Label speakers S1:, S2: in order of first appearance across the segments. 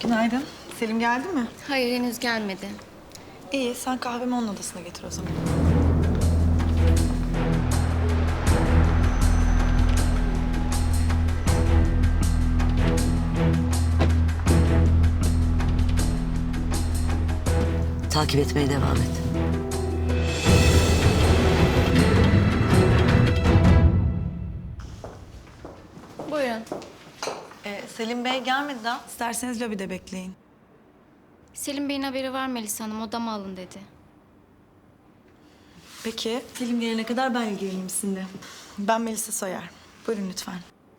S1: Günaydın. Selim geldi mi?
S2: Hayır, henüz gelmedi.
S1: İyi, sen kahvemi onun odasına getir o zaman.
S3: Takip etmeye devam et.
S2: Buyurun.
S1: Selim Bey gelmedi daha. İsterseniz lobide bekleyin.
S2: Selim Bey'in haberi var Melisa Hanım, odama alın dedi.
S1: Peki.
S4: Selim gelene kadar ben ilgileneyim sizinle.
S1: Ben Melisa Soyer. Buyurun lütfen.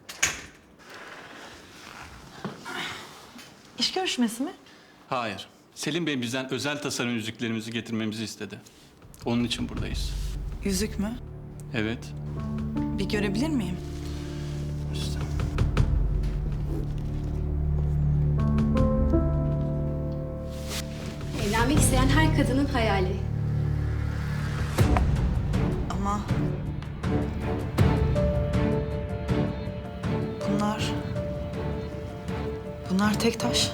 S1: İş görüşmesi mi?
S5: Hayır. Selim Bey bizden özel tasarım yüzüklerimizi getirmemizi istedi. Onun için buradayız.
S1: Yüzük mü?
S5: Evet.
S1: Bir görebilir miyim?
S5: İşte.
S6: Evlenmek isteyen her kadının hayali.
S1: Ama... Bunlar tek taş.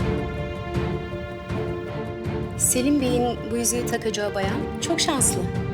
S6: Selim Bey'in bu yüzüğü takacağı bayan çok şanslı.